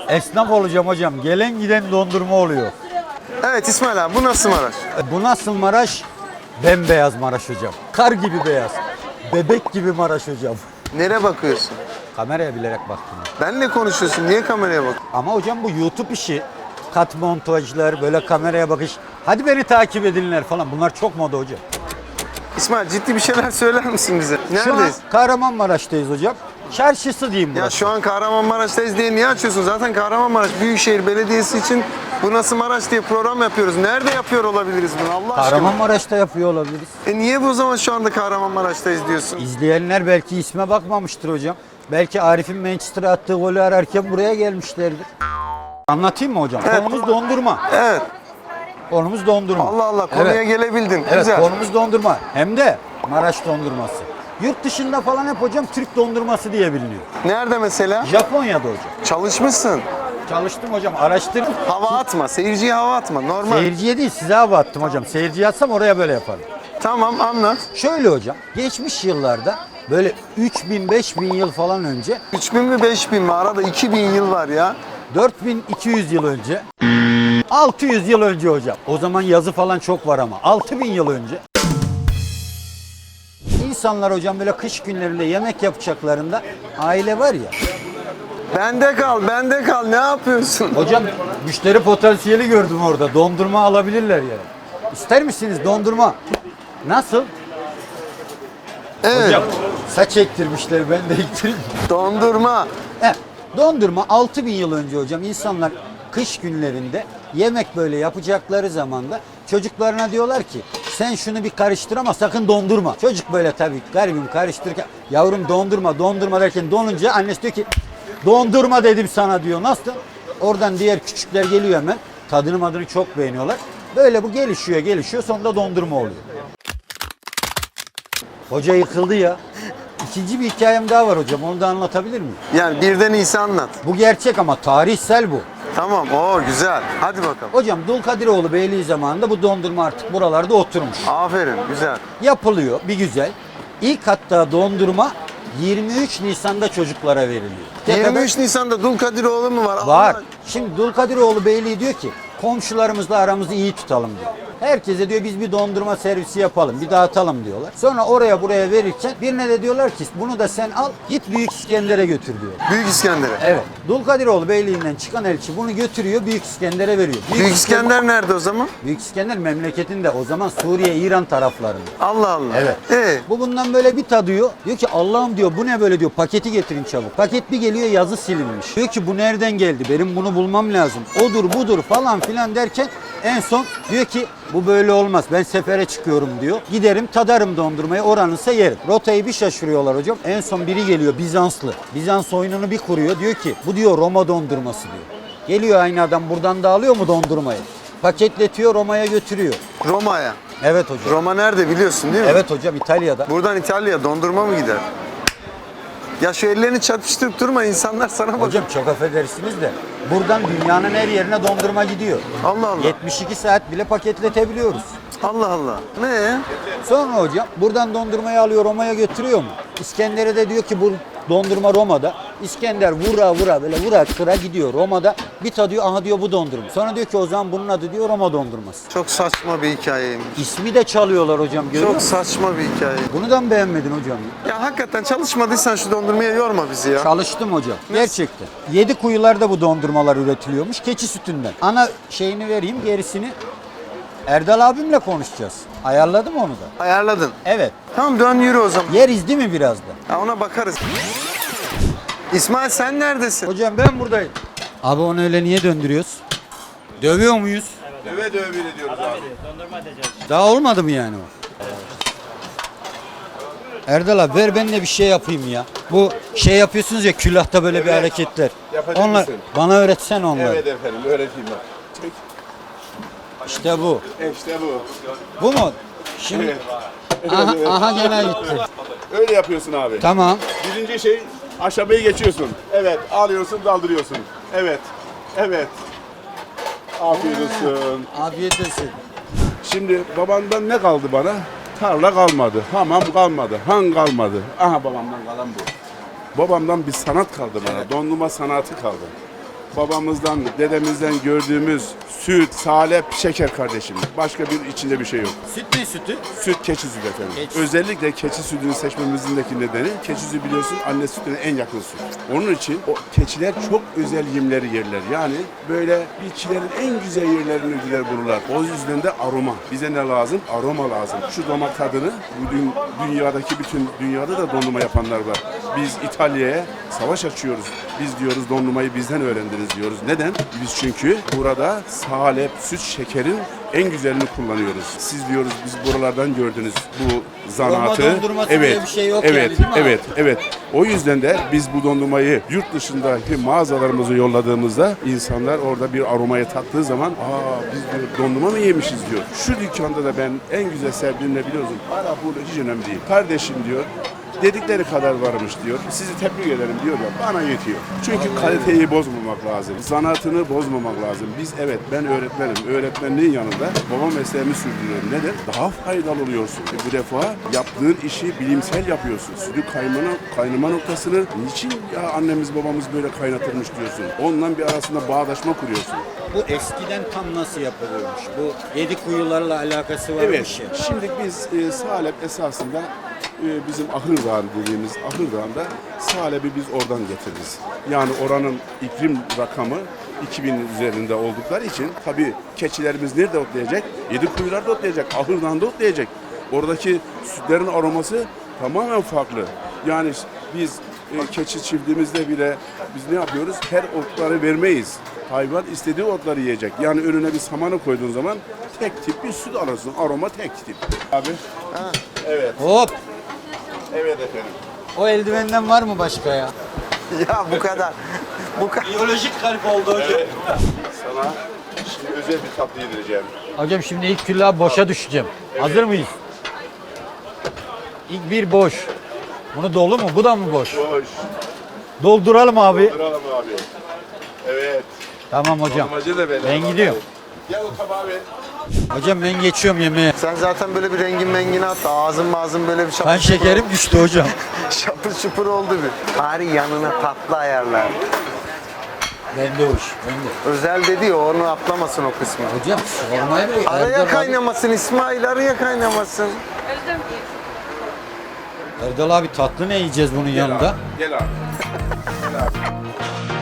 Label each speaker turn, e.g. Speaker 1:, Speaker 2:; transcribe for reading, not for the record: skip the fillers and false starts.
Speaker 1: Esnaf olacağım hocam. Gelen giden dondurma oluyor.
Speaker 2: Evet İsmail abi, bu nasıl Maraş?
Speaker 1: Bu nasıl Maraş? Bembeyaz Maraş hocam. Kar gibi beyaz. Bebek gibi Maraş hocam.
Speaker 2: Nereye bakıyorsun?
Speaker 1: Kameraya bilerek baktım.
Speaker 2: Benle konuşuyorsun, niye kameraya bak?
Speaker 1: Ama hocam bu YouTube işi. Kat montajlar, böyle kameraya bakış. Hadi beni takip edinler falan. Bunlar çok moda hocam.
Speaker 2: İsmail, ciddi bir şeyler söyler misin bize?
Speaker 1: Şu an
Speaker 2: Neredeyiz?
Speaker 1: Kahramanmaraş'tayız hocam. Çarşısı diyeyim
Speaker 2: Ya
Speaker 1: burası.
Speaker 2: şu an Kahramanmaraş'tayız diye niye açıyorsun? Zaten Kahramanmaraş Büyükşehir Belediyesi için Bu Nasıl Maraş diye program yapıyoruz. Nerede yapıyor olabiliriz bunu Allah aşkına?
Speaker 1: Kahramanmaraş'ta yapıyor olabiliriz.
Speaker 2: Niye bu zaman şu anda Kahramanmaraş'tayız diyorsun?
Speaker 1: İzleyenler belki isme bakmamıştır hocam. Belki Arif'in Manchester'a attığı golü ararken buraya gelmişlerdir. Anlatayım mı hocam?
Speaker 2: Evet.
Speaker 1: Konumuz dondurma.
Speaker 2: Evet.
Speaker 1: Konumuz dondurma.
Speaker 2: Allah Allah, konuya
Speaker 1: Evet.
Speaker 2: gelebildin.
Speaker 1: Evet,
Speaker 2: Güzel.
Speaker 1: konumuz dondurma. Hem de Maraş dondurması. Yurt dışında falan hep hocam Türk dondurması diye biliniyor.
Speaker 2: Nerede mesela?
Speaker 1: Japonya'da hocam.
Speaker 2: Çalışmışsın.
Speaker 1: Çalıştım hocam, araştırdım.
Speaker 2: Hava atma, seyirciye hava atma. Normal.
Speaker 1: Seyirciye değil, size hava attım hocam. Seyirciye atsam oraya böyle yaparım.
Speaker 2: Tamam, anlat.
Speaker 1: Şöyle hocam, geçmiş yıllarda böyle 3000-5000 yıl falan önce,
Speaker 2: 3000 mi 5000 mi? Arada 2000 yıl var ya.
Speaker 1: 4200 yıl önce, 600 yıl önce hocam. O zaman yazı falan çok var ama 6000 yıl önce. İnsanlar hocam böyle kış günlerinde yemek yapacaklarında aile var ya.
Speaker 2: Bende kal, bende kal. Ne yapıyorsun?
Speaker 1: Hocam müşteri potansiyeli gördüm orada. Dondurma alabilirler yani. İster misiniz dondurma? Nasıl?
Speaker 2: Evet.
Speaker 1: Hocam saç ektirmişler, ben de ektireyim.
Speaker 2: Dondurma.
Speaker 1: Dondurma 6000 yıl önce hocam insanlar kış günlerinde yemek böyle yapacakları zaman da çocuklarına diyorlar ki sen şunu bir karıştır ama sakın dondurma. Çocuk böyle tabii garibim karıştırırken yavrum dondurma derken donunca annesi diyor ki dondurma dedim sana diyor. Nasıl? Oradan diğer küçükler geliyor hemen. Tadını çok beğeniyorlar. Böyle bu gelişiyor sonunda dondurma oluyor. Hoca yıkıldı ya. İkinci bir hikayem daha var hocam. Onu da anlatabilir miyim?
Speaker 2: Yani birden iyisi anlat.
Speaker 1: Bu gerçek ama tarihsel bu.
Speaker 2: Tamam, o güzel. Hadi bakalım.
Speaker 1: Hocam Dulkadiroğlu Beyliği zamanında bu dondurma artık buralarda oturmuş.
Speaker 2: Aferin, güzel.
Speaker 1: Yapılıyor bir güzel. İlk hatta dondurma 23 Nisan'da çocuklara veriliyor.
Speaker 2: 23 Nisan'da Dulkadiroğlu mu var?
Speaker 1: Var.
Speaker 2: Allah-
Speaker 1: Şimdi Dulkadiroğlu Beyliği diyor ki komşularımızla aramızı iyi tutalım diyor. Herkese diyor biz bir dondurma servisi yapalım, bir dağıtalım diyorlar. Sonra oraya buraya verirken birine de diyorlar ki bunu da sen al git Büyük İskender'e götür diyor.
Speaker 2: Büyük İskender'e.
Speaker 1: Evet. Dulkadiroğlu Beyliği'nden çıkan elçi bunu götürüyor Büyük İskender'e veriyor.
Speaker 2: Büyük İskender nerede o zaman?
Speaker 1: Büyük İskender memleketinde o zaman Suriye, İran taraflarında.
Speaker 2: Allah Allah.
Speaker 1: Evet. Bu bundan böyle bir tadıyor. Diyor ki Allah'ım diyor bu ne böyle diyor paketi getirin çabuk. Paket bir geliyor yazı silinmiş. Diyor ki bu nereden geldi benim bunu bulmam lazım. Odur budur falan filan derken en son diyor ki bu böyle olmaz ben sefere çıkıyorum diyor. Giderim tadarım dondurmayı oranınsa yerim. Rotayı bir şaşırıyorlar hocam. En son biri geliyor Bizanslı. Bizans oyununu bir kuruyor diyor ki bu diyor Roma dondurması diyor. Geliyor aynı adam buradan da alıyor mu dondurmayı? Paketletiyor Roma'ya götürüyor.
Speaker 2: Roma'ya.
Speaker 1: Evet hocam.
Speaker 2: Roma nerede biliyorsun değil mi?
Speaker 1: Evet hocam İtalya'da.
Speaker 2: Buradan İtalya'ya dondurma mı gider? Ya şu ellerini çatıştırıp durma, insanlar sana bak.
Speaker 1: Hocam çok affedersiniz de buradan dünyanın her yerine dondurma gidiyor.
Speaker 2: Allah Allah.
Speaker 1: 72 saat bile paketletebiliyoruz.
Speaker 2: Allah Allah. Ne?
Speaker 1: Sonra hocam buradan dondurmayı alıyor Roma'ya götürüyor mu? İskender'e de diyor ki bu dondurma Roma'da. İskender vura böyle vura kıra gidiyor Roma'da. Bir tadıyor aha diyor bu dondurma. Sonra diyor ki o zaman bunun adı diyor Roma dondurması.
Speaker 2: Çok saçma bir hikayeymiş.
Speaker 1: İsmi de çalıyorlar hocam görüyor
Speaker 2: Çok
Speaker 1: musun?
Speaker 2: saçma bir hikaye.
Speaker 1: Bunu da mı beğenmedin hocam?
Speaker 2: Ya hakikaten çalışmadıysan şu dondurmaya yorma bizi ya.
Speaker 1: Çalıştım hocam. Gerçekten. 7 kuyularda bu dondurmalar üretiliyormuş keçi sütünden. Ana şeyini vereyim gerisini Erdal abimle konuşacağız. Ayarladım onu da.
Speaker 2: Ayarladın.
Speaker 1: Evet.
Speaker 2: Tamam, dön yürü o zaman.
Speaker 1: Yeriz değil mi biraz da?
Speaker 2: Ha, ona bakarız. İsmail sen neredesin?
Speaker 1: Hocam ben buradayım. Abi onu öyle niye döndürüyoruz? Dövüyor muyuz?
Speaker 3: Döve döve bir ediyoruz abi.
Speaker 1: Daha olmadı mı yani o? Erdal abi ver ben de bir şey yapayım ya. Bu şey yapıyorsunuz ya külahta böyle bir hareketler.
Speaker 3: Yapacak
Speaker 1: Onlar
Speaker 3: mısın?
Speaker 1: bana öğretsen onları.
Speaker 3: Evet efendim, öğreteyim bak. Çek.
Speaker 1: İşte bu.
Speaker 3: İşte bu.
Speaker 1: Bu mu? Şimdi aha gene gitti.
Speaker 3: Öyle yapıyorsun abi.
Speaker 1: Tamam.
Speaker 3: Birinci şey, aşamayı geçiyorsun. Evet, alıyorsun, daldırıyorsun. Evet, evet. Afiyet olsun.
Speaker 1: Afiyet olsun.
Speaker 3: Şimdi babandan ne kaldı bana? Tarla kalmadı, hamam kalmadı, han kalmadı. Aha babamdan kalan bu. Babamdan bir sanat kaldı bana, dondurma sanatı kaldı. babamızdan, dedemizden gördüğümüz süt, salep, şeker kardeşim. Başka bir içinde bir şey yok.
Speaker 1: Süt ne sütü?
Speaker 3: Süt keçi sütü efendim.
Speaker 1: Keçi.
Speaker 3: Özellikle keçi sütünü seçmemizindeki nedeni keçi sütü biliyorsun anne sütüne en yakın süt. Onun için o keçiler çok özel yemleri yerler. Yani böyle bitkilerin en güzel yerlerini bulurlar. O yüzden de aroma. Bize ne lazım? Aroma lazım. Şu damak tadını bugün dünyadaki bütün dünyada da dondurma yapanlar var. Biz İtalya'ya savaş açıyoruz. Biz diyoruz dondurmayı bizden öğrendiniz diyoruz. Neden? Biz çünkü burada salep, süt, şekerin en güzelini kullanıyoruz. Siz diyoruz biz buralardan gördünüz bu zanaatı.
Speaker 1: Roma dondurması diye bir şey yok
Speaker 3: evet,
Speaker 1: yani, değil mi abi?
Speaker 3: evet, evet. O yüzden de biz bu dondurmayı yurt dışındaki mağazalarımızı yolladığımızda insanlar orada bir aromayı tattığı zaman biz diyor dondurma mı yemişiz diyor. Şu dükkanda da ben en güzel sevdiğim ne biliyorsun? Para pul hiç önemli değil. Kardeşim diyor dedikleri kadar varmış diyor. Sizi tebrik ederim diyor ya bana yetiyor. Çünkü kaliteyi bozmamak lazım. Zanaatını bozmamak lazım. Biz evet ben öğretmenim. Öğretmenliğin yanında baba mesleğimi sürdürüyorum. Neden? Daha faydalı oluyorsun. Bu defa yaptığın işi bilimsel yapıyorsun. Sütü kaynama noktasını niçin ya annemiz babamız böyle kaynatırmış diyorsun. Onunla bir arasında bağdaşma kuruyorsun.
Speaker 1: Bu eskiden tam nasıl yapılıyormuş? Bu 7 kuyularla alakası varmış
Speaker 3: Evet.
Speaker 1: ya.
Speaker 3: Şimdi biz salep esasında bizim Ahır Dağı dediğimiz Ahır Dağı'nda salebi biz oradan getiririz. Yani oranın iklim rakamı 2000 üzerinde oldukları için tabii keçilerimiz nerede otlayacak? 7 kuyularda otlayacak, Ahır Dağı'nda otlayacak. Oradaki sütlerin aroması tamamen farklı. Yani biz keçi çiftliğimizde bile biz ne yapıyoruz? Her otları vermeyiz. Hayvan istediği otları yiyecek. Yani önüne bir samanı koyduğun zaman tek tip bir süt alırsın. Aroma tek tip. Abi.
Speaker 2: Ha.
Speaker 3: Evet.
Speaker 1: Hop!
Speaker 3: Evet efendim.
Speaker 1: O eldivenden var mı başka ya?
Speaker 2: Ya bu kadar. Bu kadar.
Speaker 1: Biyolojik kalp oldu hocam.
Speaker 3: Evet. Sana şimdi özel bir tatlı yedireceğim.
Speaker 1: Hocam şimdi ilk küllaha boşa düşeceğim. Hazır mıyız? İlk bir boş. Bunu dolu mu? Bu da mı boş?
Speaker 3: Hoş.
Speaker 1: Dolduralım abi.
Speaker 3: Duralım abi. Evet.
Speaker 1: Tamam hocam.
Speaker 3: Amacı da böyle.
Speaker 1: Ben gidiyorum.
Speaker 3: Gel o tabağı ver.
Speaker 1: Hocam ben geçiyorum yemeğe.
Speaker 2: Sen zaten böyle bir rengin mengini attı. Ağzın böyle bir
Speaker 1: Kan şekerim düştü hocam.
Speaker 2: şapır şupur oldu bir. Bari yanına tatlı ayarlar.
Speaker 1: Bende hoş. Bende.
Speaker 2: Özel dedi ya onu atlamasın o kısmı.
Speaker 1: Hocam sormaya bile
Speaker 2: Araya kaynamasın İsmail, araya kaynamasın.
Speaker 1: Erdal abi tatlı ne yiyeceğiz bunun yanında?
Speaker 3: Gel abi. Gel abi.